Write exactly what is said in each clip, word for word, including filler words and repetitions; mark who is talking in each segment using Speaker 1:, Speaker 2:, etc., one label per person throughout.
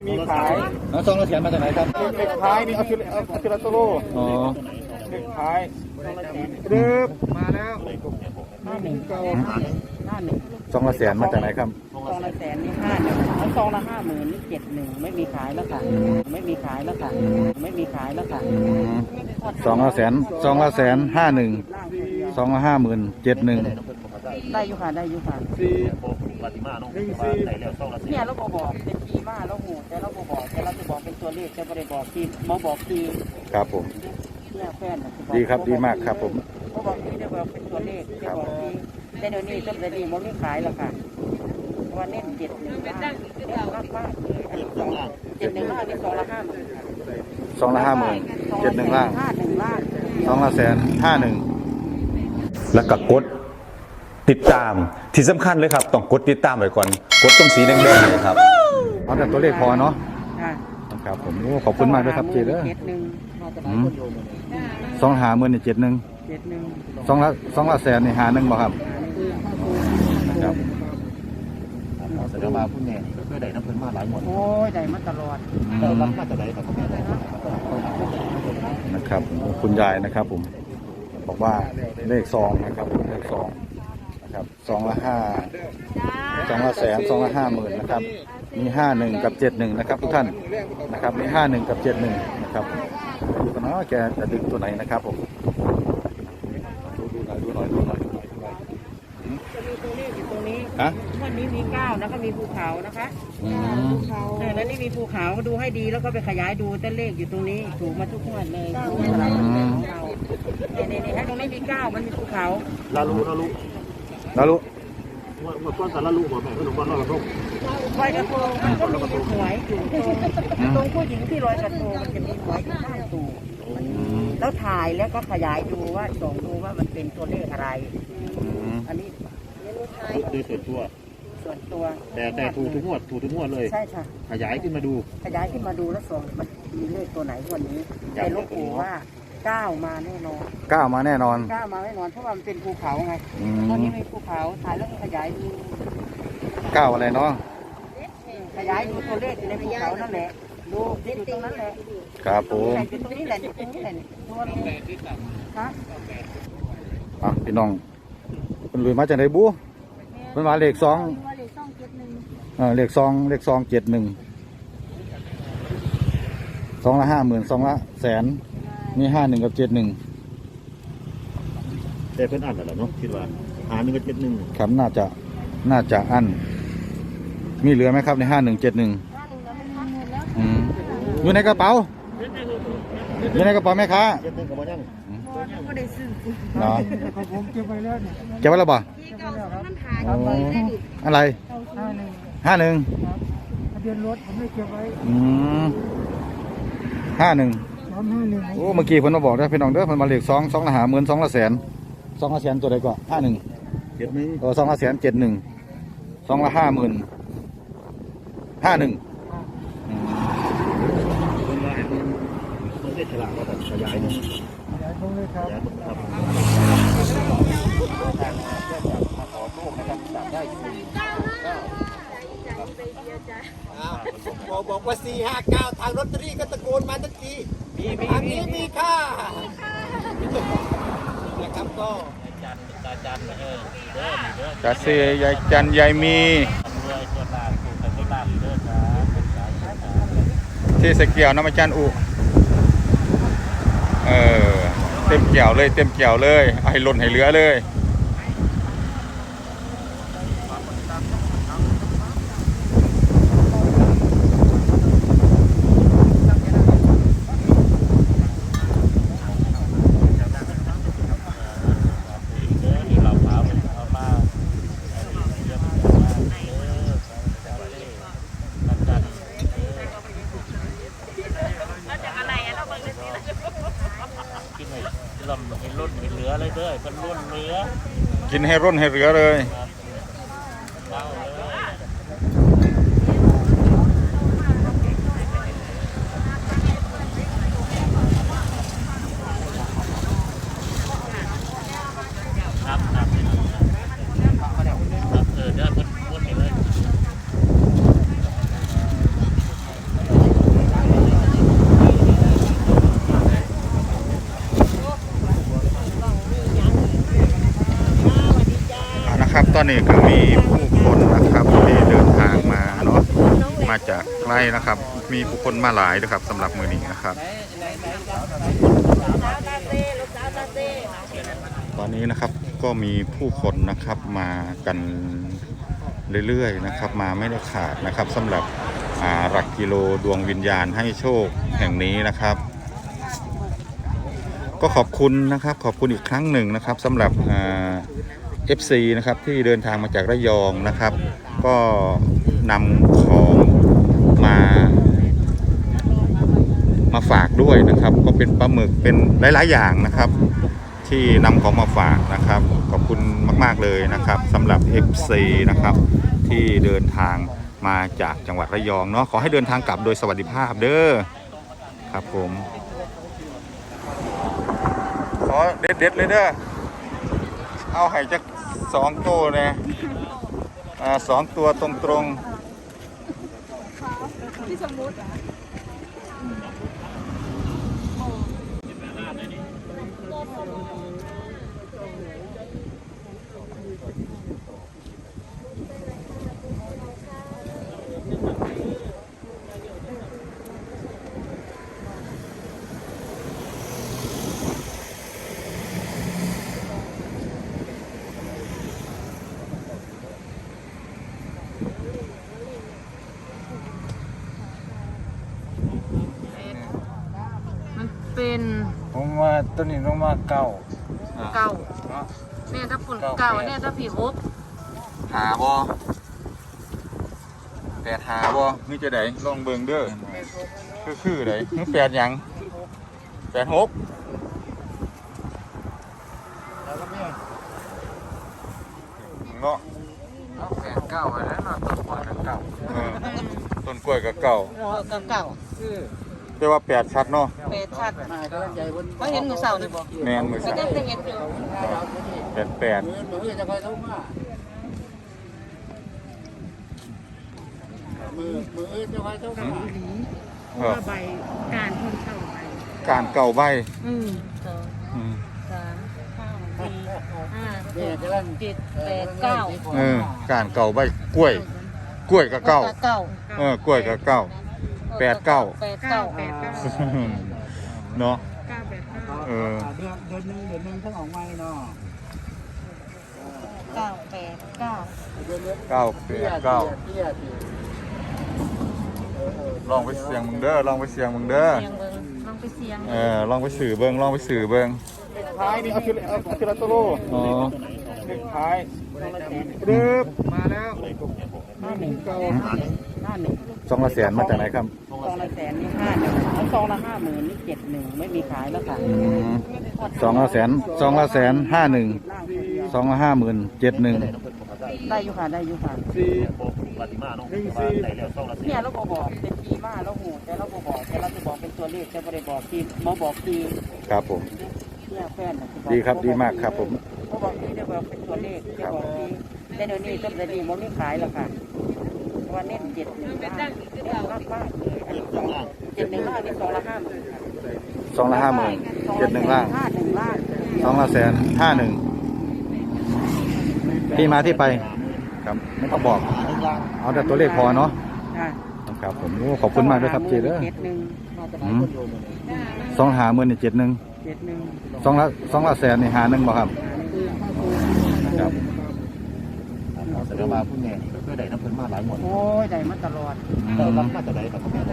Speaker 1: มีขาย
Speaker 2: แล้วซองละแสนมาจากไหนครับ
Speaker 1: เด็กขายนี่เอาชิลเอาชิลาโตโล
Speaker 2: อ๋อ
Speaker 1: เด็กขายเริ่มมาแล้ว
Speaker 3: ห้าหนึ่งเก้าห้าหนึ่ง
Speaker 2: ซองละแสนมาจากไหนครับ
Speaker 3: ซองละแสนนี่ห้าหนึ่งแล้วซองละห้าหมื่นนี่เจ็ดหนึ่งไม่มีขายแล้วค่ะไม่มีขายแล้วค่ะไม่มีขายแล้วค่ะ
Speaker 2: ซองละแสนซองละแสนห้าหนึ่งซองละห้าหมื่นเจ็ดหนึ่ง
Speaker 3: ได้อยู่ค่ะได้อยู่ค่ะ
Speaker 1: สี่
Speaker 4: ปฏิมาเนาะ
Speaker 1: หนึ่งสี่
Speaker 4: ใส่แล้วซองละสี่
Speaker 3: เนี่ยเราบอกเป็นทีมาเราหูแต่เราบอกแต่เราจะบอกเป็นตัวเลขจะไม่ได้บอกทีมาบอกที
Speaker 2: ครับผม
Speaker 3: เนี่ยแฟน
Speaker 2: ดีครับดีมากครับผม
Speaker 3: เขาบอกทีจะบอกเป็นตัวเลขจะบอกทีแต่เดี๋ยวนี้ต้นเดี๋ยวนี้มันไม่ขายแล้วค่ะวันเน้นเจ็ดหนึ่งล้านเน้นมากมากเจ็ดหนึ่งล้านนี่ซองละห้าหมื่น
Speaker 2: ซองละห้าหมื่นเจ็ดหนึ่งล้าน
Speaker 3: ห้าหนึ่งล้าน
Speaker 2: ซองละแสนห้าหนึ่ง
Speaker 5: แล้วก็กดติดตามที่สำคัญเลยครับต้องกดติดตามไว้ก่อนกดตรงสีแดงๆเลยครับ
Speaker 2: เอาแต่ตัวเลขพอเนาะ
Speaker 3: ค่ะ
Speaker 2: ครับผมโอ้ขอบคุณมากด้วยครับเจเด้อ
Speaker 3: เจ็ดหนึ่ง
Speaker 2: ซองหาหมื่นนี่เจ็ดหนึ่ง
Speaker 3: เจ็ดหนึ่ง
Speaker 2: ซองละซองละแสนนี่หาหนึ่งบ่ครับครับ
Speaker 4: แสดงว่าผู้แม่ก็เคยได้น้ำเพิ่นมาหลายหมด
Speaker 3: โอ้ยได้มาตลอด
Speaker 4: เรารับมาจากไหนครับคุณแม่
Speaker 2: นะครับคุณยายนะครับผมบอกว่าเลขซองนะครับเลขซองนะครับซองละห้าซองละแสนซองละห้าหมื่นนะครับมีห้าหนึ่งกับเจ็ดหนึ่งนะครับทุกท่านนะครับมีห้าหนึ่งกับเจ็ดหนึ่งนะครับดูกันนะแกจะดึงตัวไหนนะครับผมดูหน่อยดูหน่อยดูหน่อยดูหน่อย
Speaker 3: จะมีตัวเลขอยู่ตรงนี้
Speaker 2: ฮะ
Speaker 3: วันนี้มีเก้าแล้วก็มีภูเขานะคะภูเขาแล้วนี่มีภูเขาดูให้ดีแล้วก็ไปขยายดูตัวเลขอยู่ตรงนี้ถูกมาทุกงวดเลยถูกมาหลายงวดของเราเนี่ยเนี่ยให้ตรงนี้มีเก้ามันมีภูเขา
Speaker 4: ลาลูลาลู
Speaker 2: ลาลู
Speaker 4: เมื่อก่อนสารลาลูหัวแม่ขนมบ้านลอยกระทง
Speaker 3: ลอยกระทงมันก็มีหวยอยู่ตรงตรงผู้หญิงที่ลอยกระทงมันจะมีหวยอยู่ข้างตูแล้วถ่ายแล้วก็ขยายดูว่าส่องดูว่ามันเป็นตัวเลขอะไรอันนี้
Speaker 4: โดยส่วนตัว
Speaker 3: ส่วนตัว
Speaker 4: แต่แต่ถูกทุกงวดถูกทุกงวดเลย
Speaker 3: ใช่ค่ะ
Speaker 4: ขยายขึ้นมาดู
Speaker 3: ขยายขึ้นมาดูแล้วส่องมันมีเลขตัวไหนวันนี้แต่ลูกปู่ว่าเก้ามาแน่นอน
Speaker 2: เก้ามาแน่นอน
Speaker 3: เก้ามาแน่นอนเพราะว่ามันเป็นภูเขาไงตอนนี้มีภูเขาถ่ายแล้วขยายดู
Speaker 2: เก้าอะไรเนาะ
Speaker 3: ขยายดูตัวเลขอยู่ในภูเขานั่นแหละดูอยู่ตรงนั้นแหละ
Speaker 2: ครับผม
Speaker 3: อยู่ตรงนี้แหละอยู่ตรงนี้แหละตัวนี้ฮะ
Speaker 2: อ่ะพี่น้องเป็นลุยมาจากไหนบูเป็นมาเลขสองเออเลขสองเลขสองเจ็ดหนึ่งสองละห้าหมื่นสองละแสนมีห้าหนึ่งกับเจ็ดหนึ่ง
Speaker 4: แต่เพิ่นอ่านแล้วเนาะคิดว่าหาหนึ่งกับเจ็ดหนึ่ง
Speaker 2: ครับน่าจะน่าจะอันมีเหลือไหมครับในห้าหนึ่งเจ็ดหนึ่งอยู่ในกระเป๋าอยู่ในกระเป๋าไหมคะ
Speaker 4: เจ็ดหนึ่งกับมันยัง
Speaker 2: เนาะ
Speaker 1: ผมเก็บไว้แล้วเนี่ย
Speaker 2: เก็บไว้แล้วบ่อะไรห้าหนึ่ง
Speaker 1: ทะเบียนรถผมไม่เก็บไว้
Speaker 2: อืมห้าหนึ่งโอ้เมื่อกี้เพิ่นมาบอกได้พี่น้องเด้อเพิ่นมาเลขสองสองละหาหมื่นสองละแสนสองละแสนตัวใดก็ห้าหนึ่ง
Speaker 4: เจ็ดหนึ่ง
Speaker 2: เออสองละแสนเจ็ดหนึ่งสองละห้าหมื่นห้าหนึ่ง
Speaker 4: คนละมันได้ฉลาดว่าแบบขยายเนี่ย
Speaker 1: ขยายตรงเลยครับ
Speaker 4: ขอโทษนะครับจับได้
Speaker 6: บอกบอกว่าสี่ห้าเก้าทางรถตรีก็ตะโกนมาทันทีมีมีอันนี้มีค่านะครับก็
Speaker 2: กระเซียยายจันยายมีที่สเกียวน้ำมันจันอุเออเต็มเกี่ยวเลยเต็มเกี่ยวเลยให้หล่นให้เหลือเลย
Speaker 4: ให้ล้นให้เหลือเลยเด้อเป็นล้นเหลือ
Speaker 2: กินให้ร่นให้เหลือเลย
Speaker 4: ครับครับครับเออเด้อเพิ่นล้นให้เลย
Speaker 2: อนนี้ก็มีผู้คนนะครับที่เดินทางมาเนาะมาจากไกลนะครับ มีผู้คนมาหลายด้วยครับสำหรับมือนี้นะครับ ตอนนี้นะครับก็มีผู้คนนะครับมากันเรื่อยๆนะครับ มาไม่ได้ขาดนะครับสำหรับหลักกิโลดวงวิญญาณให้โชคแห่งนี้นะครับ ก็ขอบคุณนะครับขอบคุณอีกครั้งหนึ่งนะครับสำหรับเอฟซีนะครับที่เดินทางมาจากระยองนะครับ ก็นำของมามาฝากด้วยนะครับ ก็เป็นปลาหมึกเป็นหลายๆอย่างนะครับ ที่นำของมาฝากนะครับขอบคุณมากๆเลยนะครับสำหรับ เอฟ ซี นะครับที่เดินทางมาจากจังหวัดระยองเนาะขอให้เดินทางกลับโดยสวัสดิภาพเด้อครับผมขอเด็ดๆเลยเด้อเอาให้จักสองตัวเลยอ่าสองตัวตรงๆที่สมมุติ
Speaker 7: เป็น
Speaker 1: ผมว่าตัวนี้ลงมาเก้า
Speaker 7: เก่าเนี่ยถ้าปุ่นเก่าเนี่ยถ้าผีฮบ
Speaker 2: หาบอแปดหาบอนี่จะได้ลองเบิ่งเด้อคือคือไดนี่แปดหยังแปดหกเนาะ
Speaker 1: แปดเก้าอะไรนะต้นกล้วยเก้า
Speaker 2: เออต้นกล้วยกับเก่า
Speaker 7: เก่าเก่า
Speaker 2: แต่ว่าแปดชัดเนาะ
Speaker 7: เป็ดชัดก็เห็นมือเสานี่บอก
Speaker 2: แมนมือ
Speaker 7: ก็
Speaker 2: สา
Speaker 7: จะ
Speaker 2: ม
Speaker 7: เป็นเห็นอยู่
Speaker 2: แปดแปด
Speaker 6: มือจะคอยทุกมามือมือจะคอยทุกมา
Speaker 2: เออ
Speaker 3: ใบการคนเข้าไป
Speaker 2: การเก่าใบ
Speaker 7: อืมสอง
Speaker 2: อืม
Speaker 7: สามสี่ห้าห
Speaker 6: เนี่ย
Speaker 7: ก
Speaker 6: จะเล่น
Speaker 7: เจ็ดแปดเก้า
Speaker 2: เออการเก่าใบกล้วย กล้วยกับเก่า
Speaker 7: เก้า
Speaker 2: เออกล้วยกับเก่า แปดเก้า
Speaker 7: แปดเก้า
Speaker 3: แปดเก้า
Speaker 2: เนาะ
Speaker 3: เก้าแปดเก้า
Speaker 2: เออ
Speaker 6: เดือนเดือนหนึ่งเดือนหนึ่งทั้งออกไม้เนาะ
Speaker 7: เก้าแปดเก้า
Speaker 2: เก้าแปดเก้า
Speaker 6: เตี้ยเตี้ย
Speaker 2: ลองไปเสียงมึงเด้อลองไปเสียงมึงเด้อ
Speaker 7: เสียงเบิ้งลองไปเสียง
Speaker 2: เออลองไปสื่อเบิ้งลองไปสื่อเบิ้ง
Speaker 1: ท้ายนี่เอาคิเอาคิลาโตโล
Speaker 2: อ๋อ
Speaker 1: เด็กท้ายรึบมาแล้ว
Speaker 3: ห้าหนึ่งเก้าห้าหนึ่ง
Speaker 2: สองละแสนมาจากไหนครับ
Speaker 3: ซองละแสนนี่ห้าหนึ่งแล้วซองละห้าหมื่นนี่เจ็ดหนึ่งไม่มีขายแล้วค่ะ
Speaker 2: อืมสองละแสนสองละแสนห้าหนึ่งสองละห้าหมื่นเจ็ดหนึ่ง
Speaker 3: ได้อยู่ค่ะได้อยู่ค่ะ
Speaker 1: สี่หนึ่งสี่
Speaker 3: เนี่ยเราบอกบอกเป็นทีมาเราหูแต่เราบอกบอกแต่เราจะบอกเป็นตัวเลขแต่ไม่ได้บอกทีมาบอกที
Speaker 2: ครับผม
Speaker 3: เนี่ยแฟนน่ะสิอก
Speaker 2: ดีครับดีมากครับผม
Speaker 3: เขาบอกทีได้บอกเป็นตัวเลขจะบอกทีแต่เดี๋ยวนี้ต้นเดี๋ยวนี้มันไม่ขายแล้วค่ะเพราะว่าเน้นเจ็ดหนึ่งมากมากมากเลยอันนี้สองเจ็ดหนึ่งล่างนี่สองละห้าหมื่น
Speaker 2: สองละห้าหมื่นเจ็ดหนึ่งล่าง
Speaker 3: ห้าหนึ่งล่าง
Speaker 2: สองละแสนห้าหนึ่งที่มาที่ไปครับไม่ต้องบอก เอาแต่ตัวเลขพอเนาะ
Speaker 3: ค่ะ
Speaker 2: ครับผมโอ้ขอบคุณมากด้วยครับเจเด้อ
Speaker 3: เจ็ดหนึ่งมาจากไหน
Speaker 2: อืมสองหาหมื่นนี่เจ็ดหนึ่ง
Speaker 3: เจ็ดหนึ่ง
Speaker 2: สองละสองละแสนนี่หาหนึ่งบ่ครับครับ
Speaker 4: แสดงว่าผู้แม่ก็คือได้น้ำเพิ่นมาหลายหมด
Speaker 3: โอ้ยได้มาตลอด
Speaker 4: เรารับมาจากไหนครับคุณแม่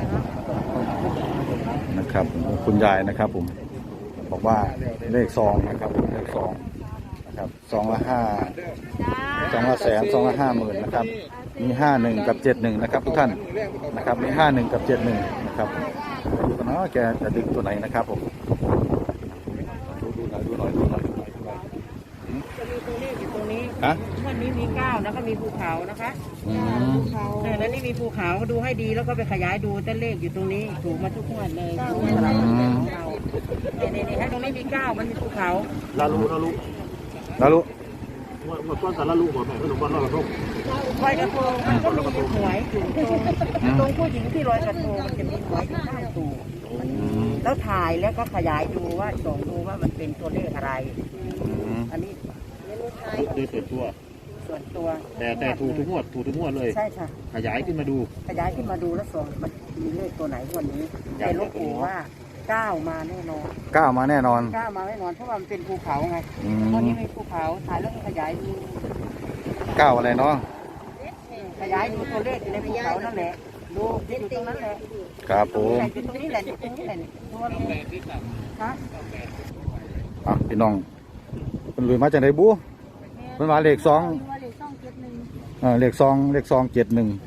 Speaker 2: นะครับคุณยายนะครับผมบอกว่าเลขซองนะครับเลขซองนะครับซองละห้าซองละแสนซองละห้าหมื่นนะครับมีห้าหนึ่งกับเจ็ดหนึ่งนะครับทุกท่านนะครับมีห้าหนึ่งกับเจ็ดหนึ่งนะครับดูกันเนาะแกจะดึงตัวไหนนะครับผมดูดูหน่อยดูหน่อยดูหน่อยดูหน่อยดูหน่อย
Speaker 3: จะมีตัวเลขอยู่ตรงนี้
Speaker 2: ฮะ
Speaker 3: วันนี้มีเก้าแล้วก็มีภูเขานะคะ
Speaker 2: อืม
Speaker 3: เออแล้วนี่มีภูเขาดูให้ดีแล้วก็ไปขยายดูแต่เลขอยู่ตรงนี้ถูกมาทุกงวดเลยถูกมาตลอดเลยของเราเนี่ยเนี่ยเนี่ยตรงนี้มีเก้ามันมีภูเขา
Speaker 4: ลาลูลาลู
Speaker 2: แล้วรู้
Speaker 4: หมดก้อนสารลาลูหมดแม่ขนมบ้านเราเรา
Speaker 3: ลอยกระทงมันก็มีหวยอยู่ตรงตรงผู้หญิงที่ลอยกระทงมันจะมีหวยอยู่ข้างตูแล้วถ่ายแล้วก็ขยายดูว่าส่องดูว่ามันเป็นตัวเลขอะไร
Speaker 2: อืม
Speaker 3: อันนี้
Speaker 4: โดยส่วนตัว
Speaker 3: สส่วนตัว
Speaker 4: แต่แต่ถูกทุกงวดถูกทุกงวดเลย
Speaker 3: ใช่ค่ะ
Speaker 4: ขยายขึ้นมาดู
Speaker 3: ขยายขึ้นมาดูแล้วส่งมันมีเลขตัวไหนวันนี้แต่หลวงปู่ว่าเก้ามาแน่นอน
Speaker 2: ก้าวมาแน่นอน
Speaker 3: เก้ามาแน่นอนเพราะว่ามันเป็นภูเขาไง
Speaker 2: อืม
Speaker 3: ตอนนี้เป็นภูเขาถ่ายแล้วก็ขยายดู
Speaker 2: ก้าวอะไรเนาะ
Speaker 3: ขยายดูตัวเลขอยู่ในภูเขานั่นแหละดูอยู่ตรงนั้นแหละ
Speaker 2: ครับผม
Speaker 3: อยู่ตรงนี้แหละอยู่ตรงนี้แหละตัวนี้ฮะ
Speaker 2: อ่ะพี่น้องเป็นลุยมาจากไหนบูเป็นมาเลขสองเออเลขสองเลขสองเจ็ดหนึ่ง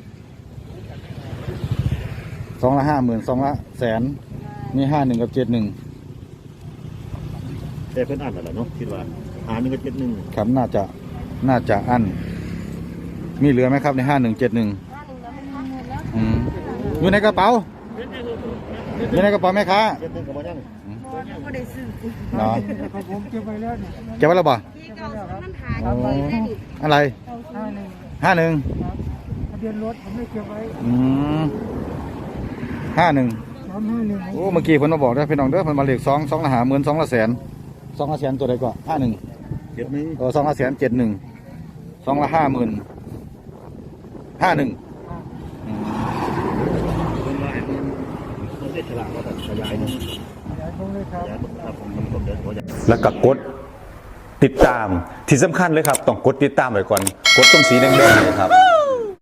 Speaker 2: สองละห้าหมื่นสองละแสนมีห้าหนึ่งกับเจ็ดหนึ่ง
Speaker 4: แต่เพิ่นอ่านแล้วเนาะคิดว่าหาหนึ่งกับเจ็ดหนึ่ง
Speaker 2: ครับน่าจะน่าจะอันมีเหลือไหมครับในห้าหนึ่งเจ็ดหนึ่งอยู่ในกระเป๋าอยู่ในกระเป๋าแม่ค้า
Speaker 4: เจ็ดหนึ่งกับบ่ยัง
Speaker 2: เนาะ
Speaker 1: ผมเก็บไว้แล้วเนี่ย
Speaker 2: เก็บไว้แล้วบ่โอ้อะไรห้าหนึ่ง
Speaker 1: ทะเบียนรถผมไม่เก็บไว้
Speaker 2: อืมห้าหนึ่ง
Speaker 1: สามห้าหนึ่ง
Speaker 2: โอ้เมื่อกี้เพิ่นมาบอกได้อพี่น้องเด้อเพิ่นมาเลขสองสองละหาหมื่นสองละแสนสองละแสนตัวใดก็ห้าหนึ่ง
Speaker 4: เจ็ดหนึ่ง
Speaker 2: เออสองละแสนเจ็ดหนึ่งสองละห้าหมื่นห้าหนึ่ง
Speaker 4: เพิ่นว่าไอ้เพิ่นเพิ่นได้ฉลากว่าแบบขยายเนาะ
Speaker 1: ยายคงเลยครับ
Speaker 4: ขยายครับผมผมผมเดี๋ยวขออย่าง
Speaker 5: แล้วก็กดติดตามที่สำคัญเลยครับ ต้องกดติดตามไว้ก่อน กดตรงสีแดงๆเนยครับ